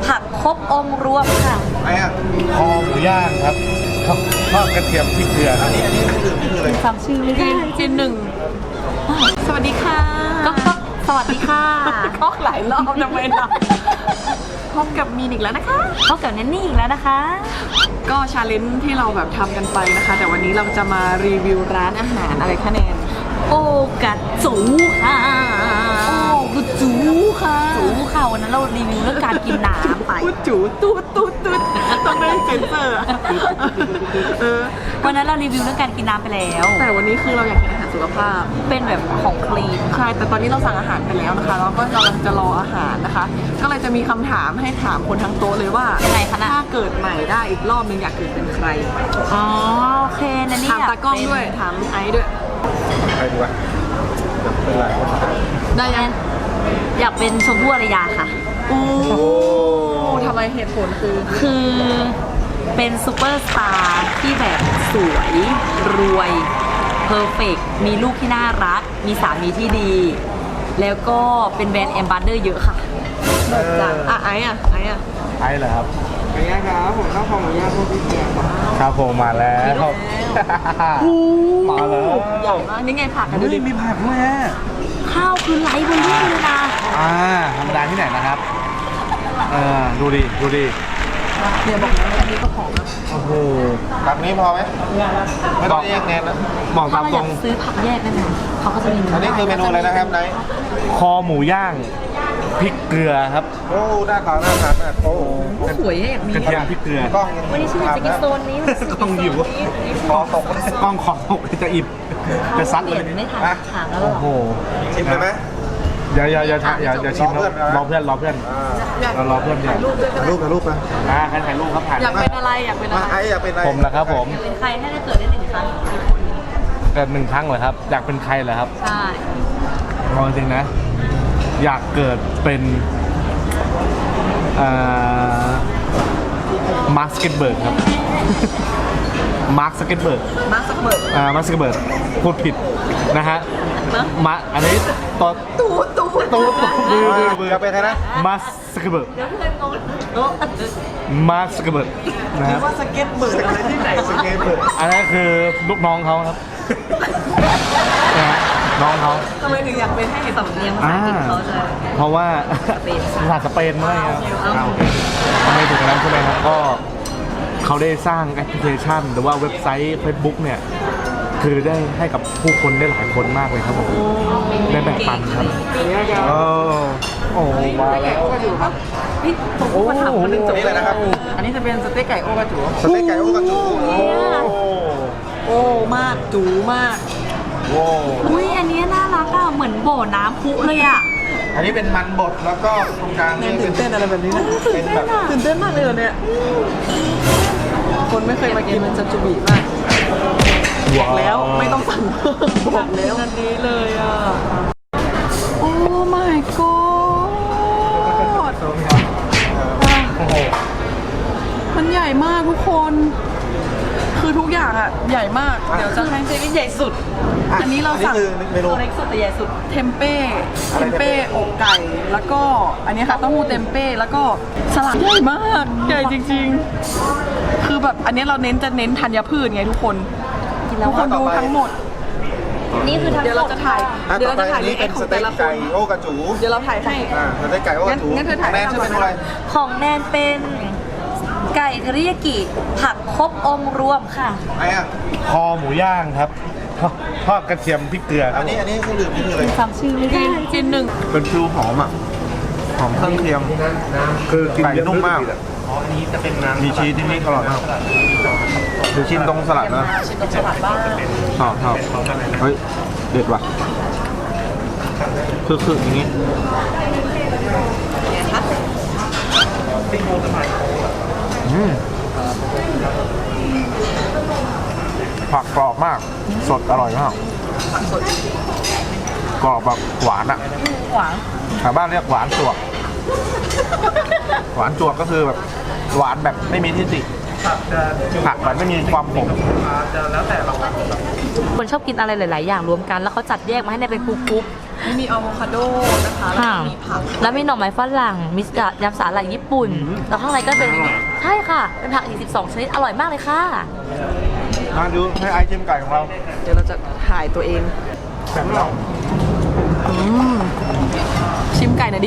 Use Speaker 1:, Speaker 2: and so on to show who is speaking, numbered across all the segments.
Speaker 1: ผักครบองค์รวมค่ะ
Speaker 2: ไอ้อะ
Speaker 3: คอหมูย่างครับทอดกระเทียมพริกเกลือครับ
Speaker 2: อันนี้คืออะไร
Speaker 1: ฟังชื่อไม่ได้จีนหนึ่งสวัสดีค่ะก็สวัสดีค่ะก็หลายรอบทำไมล่ะพบกับมีนอีกแล้วนะคะพบกับแนนนี่อีกแล้วนะคะ ก็ชาเลนจ์ที่เราแบบทำกันไปนะคะ แต่วันนี้เราจะมารีวิวร้านอาหารอะไรคะแนนโอกัดจูค่ะโอ้กุจูค่ะจูค่ะวันนั้นเรารีวิวเรื่องการกินน้ำไปพูดจูตูดต้องไม่เซ็นเซอร์วันนั้นเรารีวิวเรื่องการกินน้ำไปแล้วแต่วันนี้คือเราอยากกินอาหารสุขภาพเป็นแบบของคลีนใช่แต่ตอนนี้เราสั่งอาหารไปแล้วนะคะแล้วก็กำลังจะรออาหารนะคะ ก็เลยจะมีคำถามให้ถามคนทั้งโต๊ะเลยว่ายังไงคะถ้าเกิดใหม่ได้อีกรอบนึงอยากเกิดเป็นใครอ๋อโอเคนะนี่ถามตากล้องด้วยถามไอซ์ด้วย
Speaker 2: ใครดีวะเป็นไร
Speaker 1: ได้ยังอยากเป็นชมพู่อารยาค่ะโอ้ทำไมเหตุผลคือเป็นซูเปอร์สตาร์ที่แบบสวยรวยเพอร์เฟกต์มีลูกที่น่ารักมีสามีที่ดีแล้วก็เป็นแบรนด์แอมบาสเดอร์เยอะค่ะจากไอ้
Speaker 3: เหรอครับ
Speaker 2: ไอ้ย่างครับผมข้าวของหมูย่างพวกพี่เกียร์
Speaker 3: ครับผมมาแล้วมาแล้ว
Speaker 1: ใหญ่มากนี่ไงผักกันดูดิ
Speaker 3: มีผักด้วยฮะ
Speaker 1: ข้าวคือไร้เบอร์รี่เลยนะ
Speaker 3: ธรรมดาที่ไหนนะครับดูดิ
Speaker 1: เดี๋ยวบอกนะอันนี้ก็หอมนะ
Speaker 3: โอ้โห
Speaker 2: ผักนี้พอไหมไม่ต้องแยกแนนนะ
Speaker 3: บอกตามตรง
Speaker 1: ซื้อผักแยกได้ไหมเขาก็จะมี
Speaker 2: อันนี้คือเมนูอะไรนะครับไนท์
Speaker 3: คอหมูย่างพริกเกลือครับ
Speaker 2: โอ้หน้าขาวหน้าทานมากโอ้
Speaker 1: สวยเนี่ยมี
Speaker 3: กระเทียมพริกเกลือก
Speaker 2: ล้อง
Speaker 1: วันนี้ฉันอยากจะกินโซนนี้
Speaker 3: กล้องหิว
Speaker 2: คอตก
Speaker 3: กล้องขอตกจะอิ่มจะซัดเลย
Speaker 1: ไม่ทันถามแล้ว
Speaker 3: โอ้โห
Speaker 2: ชิมเลยไหม
Speaker 3: อย่าชิมแล้วรอเพื่อนเรารอเพื่อนเนี่ย
Speaker 2: ถ่ายรูปนะ
Speaker 3: ใครถ่ายรูปครับถ่าย
Speaker 1: อยากเป็นอะไร
Speaker 2: ไอ้อยากเป็นอะไร
Speaker 3: ผมเหรอครับผม
Speaker 1: อยากเป็นใครให้ได้เกิดได้1 ครั้ง
Speaker 3: เกิด1 ครั้งเหรอครับอยากเป็นใครเหรอครับ
Speaker 1: ใช่
Speaker 3: เอาจริงนะอยากเกิดเป็นมาร์ค ซักเก็ตเบิร์กครับมาร์ค ซักเก็ตเบิร์กพูดผิดนะฮะอันนี้ตู
Speaker 2: จะเป็นใครนะ
Speaker 3: มาร์ค ซักเก็ตเบิร์กมาร์ค ซักเก็ตเบิร์กนะครับ
Speaker 2: ว่าสเก็ตเบิร์กอะไรที่ไหนสเก็ตเบิร์ก
Speaker 3: อันนั้นคือลูกน้องเขาครับน้องเขา
Speaker 1: ทำไมถึงอยากเป็นให้สำเนียงภาษาอังกฤษเขาจะ
Speaker 3: เพราะว่าภาษาสเปนอะไรครับทำไมถึงนั้นใช่ไหมครับก็เขาได้สร้างแอปพลิเคชันหรือว่าเว็บไซต์ Facebook เนี่ยคือได้ให้กับผู้คนได้หลายคนมากเลยครับผมได้แบ่งปันครับโอ้มาแล้ว
Speaker 1: พี่ผมก็ถามคนนึงจบ
Speaker 2: เลยนะครับ
Speaker 1: อันนี้จะเป็นสเต็กไก่โอกระจู
Speaker 2: สเต็กไก่โอกระจู
Speaker 1: โอ้มากจูมากอุ้ยอันนี้น่ารักอ่ะเหมือนบ่อน้ำพุเลยอ่ะ
Speaker 2: อันนี้เป็นมันบดแล้วก็ตรงกลางนี่
Speaker 1: ตื่นเต้นอะไรแบบนี้เป็นแบบตื่นเต้นมากเลยเนี่ยคนไม่เคยมากินมันจะจุบีมากบอกแล้วไม่ต้องสั่งบอกแล้วอันนี้เลยอ่ะโอ้ my god มันใหญ่มากทุกคนคือทุกอย่างอ่ะใหญ่มากเดี๋ยวจะให้เซมิใหญ่สุดอันนี้เราสั่งตัวเล็กสุดแต่ใหญ่สุดเทมเป้อกไก่แล้วก็อันนี้ค่ะเต้าหู้เทมเป้แล้วก็สลัดใหญ่มากใหญ่จริงๆคือแบบอันนี้เราเน้นธัญพืชไงทุกคนดูทั้งหมดนี่คือเดี๋ยวเราจะถ่าย
Speaker 2: นี่เป็นสเต็กไก่โอกระจู
Speaker 1: เดี๋ยวเราถ่ายให้
Speaker 2: สเต็กไก่โอกระจู
Speaker 1: งั้นเธอถ่าย
Speaker 2: แนนชื่อเมนูอะไร
Speaker 1: ของแนนเป็นไก่เทริยากิผักครบองค์รวมค่ะ
Speaker 2: ไอ้อะ
Speaker 3: คอหมูย่างครับทอดกระเทียมพริกเกลือ
Speaker 2: อันนี้เครื่องดื่มนี่คืออะไร
Speaker 1: ฟังชื่อไม่ได้จีนหนึ่ง
Speaker 2: เป็นฟิวหอมอ่ะหอมเครื่องเคียงคือไก่นุ่มมากมีชีสที่นี่อร่อยมากดูชิ้นตรงสลัดนะ
Speaker 1: ชิ้นตรงสลัดบ้าง
Speaker 2: ชอบเฮ้ยเด็ดว่ะคืออย่างนี้ผักกรอบมากสดอร่อยมากกรอบแบบหวานอ่ะชาวบ้านเรียกหวานจวกก็คือแบบหวานแบบไม่มีที่ติผักมันไม่มีความขม
Speaker 1: คนชอบกินอะไรหลายๆอย่างรวมกันแล้วเขาจัดแยกมาให้ในเป็นกรุ๊ปมีอะโวคาโดนะคะแล้ว
Speaker 4: ค่ะ
Speaker 1: ก็มีผัก
Speaker 4: แล้วมีหน่อไม้ฝรั่งมียำสาหร่ายญี่ปุ่น แล้วข้างในก็เป็นใช่ค่ะ เป็นผักอีก12 ชนิดอร่อยมากเลยค่ะ
Speaker 2: มาดูให้ไอชิมไก่ของเรา
Speaker 1: เดี๋ยวเราจะถ่ายตัวเอง
Speaker 2: แบบเรา
Speaker 1: ชิมไก่หน่อยดิ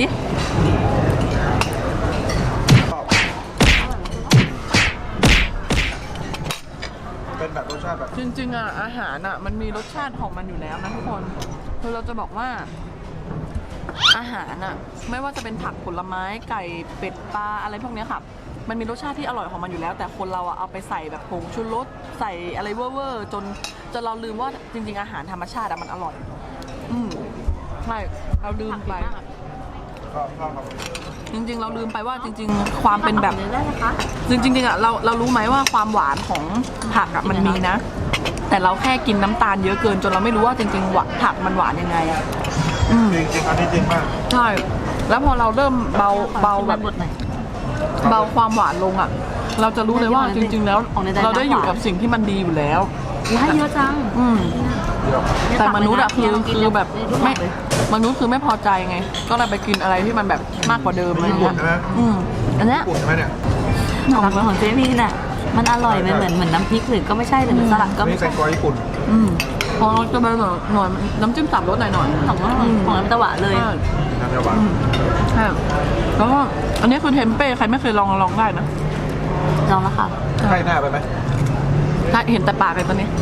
Speaker 2: เป็นแบบรสชาติแบบ
Speaker 1: จริงๆอ่ะอาหารอ่ะมันมีรสชาติของมันอยู่แล้วนะทุกคนคือเราจะบอกว่าอาหารอ่ะไม่ว่าจะเป็นผักผลไม้ไก่เป็ดปลาอะไรพวกเนี้ยค่ะมันมีรสชาติที่อร่อยของมันอยู่แล้ว แต่คนเราอ่ะเอาไปใส่แบบผงชูรสใส่อะไรเว่อร์ๆจนเราลืมว่าจริงๆอาหารธรรมชาติอ่ะมันอร่อยใช่เราลืมไป
Speaker 2: ชอบครับ
Speaker 1: จริงๆเราลืมไปว่าจริงๆความเป็นแบบจริงๆอ่ะเรารู้ไหมว่าความหวานของผักอ่ะมันมีนะ แต่เราแค่กินน้ำตาลเยอะเกินจนเราไม่รู้ว่าจริงๆหวานผักมันหวานยังไงอ่ะ
Speaker 2: จริงๆอันนี้จริงมาก
Speaker 1: ใช่แล้วพอเราเริ่มเบาแบบเบาความหวานลงอ่ะ เราจะรู้เลยว่าจริงๆแล้วเราได้อยู่กับสิ่งที่มันดีอยู่แล้ว
Speaker 4: ว้ายเยอะจัง
Speaker 1: แต่มนุษย์อะคือแบบไม่มนุษย์คือไม่พอใจไง ก็เลยไปกินอะไรที่มันแบบมากกว่าเดิมอะไร
Speaker 2: ญี่ปุ่
Speaker 1: เงี้
Speaker 2: น
Speaker 1: ย
Speaker 2: ใช่ไหม
Speaker 4: อันเนี้ย
Speaker 2: ญี่ปุ่นใช่ไหมเนี่ย
Speaker 4: ของเจมี่น่ะมันอร่อยมันเหมือนน้ำพริกหรือก็ไม่ใช่หรือสลัดก็
Speaker 2: นี่
Speaker 4: ไม่
Speaker 2: ใส่
Speaker 4: ใช่
Speaker 2: กรอยญี่ปุ่น
Speaker 1: พอเราจะไปหน่อยน้ำจิ้มสับรสหน่อย
Speaker 4: ของน้ำตะหวานเลย
Speaker 2: น้ำเยาหวาน
Speaker 1: ใช่แล้วก็อันนี้คือเทมเป้ใครไม่เคยลองได้นะ
Speaker 4: ลองแล้วค่ะ
Speaker 2: ใช่หน้าไปไหม
Speaker 1: ถ้าเห็นแต่ปากเลยตอนนี้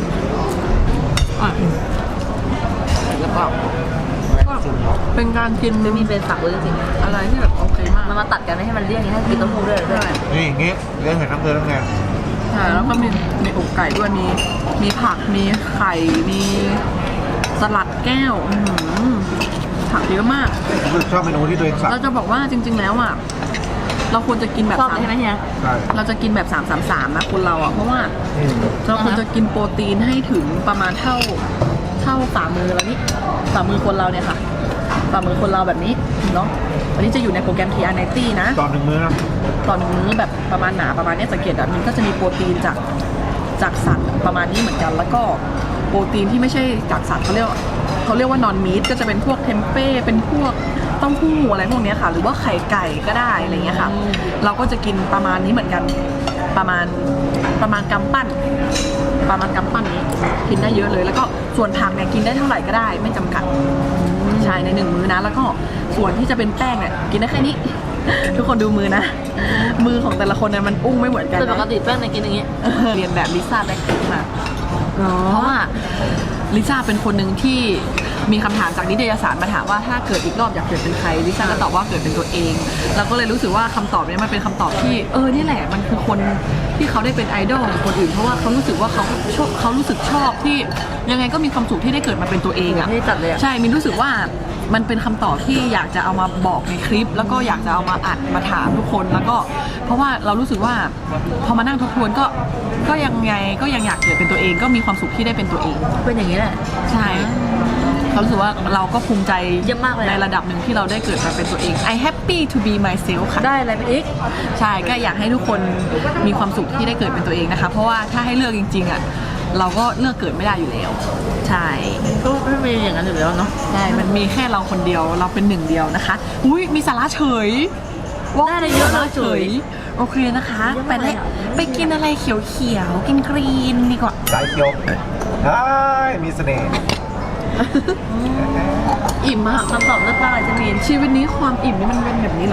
Speaker 1: แล้วก็เป็นการกิน
Speaker 4: จะมีเป็นฝักเลยจริง
Speaker 1: อะไรที่แบบโอเคมาก
Speaker 4: ๆมันมาตัดกันไม่ให้มันเลี่ยนให้กินเต้าหู้ด้วยเลย
Speaker 2: นี่อย่างงี้เรื่องเห็นน้ำเกลือแล้วไง
Speaker 1: ใช่แล้วก็มีอกไก่ด้วยมีผักมีไข่มีสลัดแก้วผักเยอะมาก
Speaker 2: คือชอบเมนูที่ตัวเองสั่ง
Speaker 1: เราจะบอกว่าจริง ๆ แล้วอ่ะเราควรจะกินแบบ
Speaker 4: ชอบเลยใช่ไหมเฮีย
Speaker 2: ใช่
Speaker 1: เราจะกินแบบ333นะคนเราอ่ะเพราะว่าเราควรจะกินโปรตีนให้ถึงประมาณเท่าฝ่ามือเรานี่ฝ่ามือคนเราเนี่ยค่ะฝ่ามือคนเราแบบนี้เนาะอันนี้จะอยู่ในโปรแกรม TR90 นะ
Speaker 2: ตอนหนึ่งมื้อนะ
Speaker 1: ตอนมื้อแบบประมาณหนาประมาณเนี้ยสังเกตมันก็จะมีโปรตีนจากสัตว์ประมาณนี้เหมือนกัน แล้วก็โปรตีนที่ไม่ใช่จากสัตว์เขาเรียกว่านอนมีทก็จะเป็นพวกเทมเป้เป็นพวกเต้าหู้อะไรพวกเนี้ยค่ะ หรือว่าไข่ไก่ก็ได้อะไรเงี้ยค่ะ เราก็จะกินประมาณนี้เหมือนกันประมาณกำปั้นนี้กินได้เยอะเลย แล้วก็ส่วนผักเนี่ยกินได้เท่าไหร่ก็ได้ไม่จำกัดใช่ใน1มื้อนะแล้วก็ส่วนที่จะเป็นแป้งเนี่ยกินได้แค่นี้ ทุกคนดูมือนะ มือของแต่ละคนเนี่ยมันอุ้งไม่เหมือนกัน
Speaker 4: แต่ปก
Speaker 1: นะ
Speaker 4: ติแป้งเนี่ยกินอย่างงี้
Speaker 1: เรียนแบบลิซ่าแบล็คพิงค์มาเพราะว่าลิซ่าเป็นคนหนึ่งที่มีคำถามจากนิตยสารมาถามว่าถ้าเกิดอีกรอบอยากเกิดเป็นใครลิซ่าก็ตอบว่าเกิดเป็นตัวเองเราก็เลยรู้สึกว่าคำตอบนี้มันเป็นคำตอบที่นี่แหละมันคือคนที่เขาได้เป็นไอดอลของคนอื่นเพราะว่าเขารู้สึกว่าเขารู้สึกชอบที่ยังไงก็มีความสุขที่ได้เกิดมาเป็นตัวเองอ่ะ
Speaker 4: ไม่ได้จัดเลยอะ
Speaker 1: ใช่มินรู้สึกว่ามันเป็นคำตอบที่อยากจะเอามาบอกในคลิป แล้วก็อยากจะเอามาอัดมาถามทุกคนแล้วก็เพราะว่าเรารู้สึกว่าพอมานั่งทบทวนก็ยังไงก็ยังอยากเกิดเป็นตัวเองก็มีความสุขที่ได้เป็นตัวเอง
Speaker 4: เป็นอย่างนี้แหละ
Speaker 1: ใช่เรารู้สึกว่าเราก็ภูมิใจ
Speaker 4: เยี่ยมมากเลยอะ
Speaker 1: ในระดับหนึ่งที่เราได้เกิดมาเป็นตัวเอง I happy to be myself ค่ะ
Speaker 4: ได้อะไรไปอีก
Speaker 1: ใช่ก็อยากให้ทุกคนมีความสุขที่ได้เกิดเป็นตัวเองนะคะ เพราะว่าถ้าให้เลือกจริงๆอ่ะเราก็เลือกเกิดไม่ได้อยู่แล้ว ใช่
Speaker 4: ก็ไม่มีอย่างนั้นอยู่แล้วเนาะ
Speaker 1: ใช่มันมีแค่เราคนเดียวเราเป็นหนึ่งเดียวนะคะอุ้ยมีสาระเฉย
Speaker 4: ได้อะไรเยอะเลยเฉย
Speaker 1: โอเคนะคะ
Speaker 4: เยี่ยม
Speaker 1: ไป
Speaker 4: มากเลยอะ
Speaker 1: ไปกินอะไรเขียวๆกินกรีนดีกว่า
Speaker 2: สายเขียวได้มีเสน่ห์
Speaker 1: อิ่มมาก
Speaker 4: คำตอบเลิศมากเลยจะมี
Speaker 1: ชีวิตนี้ความอิ่มนี่มันเป็นแบบนี้เหรอ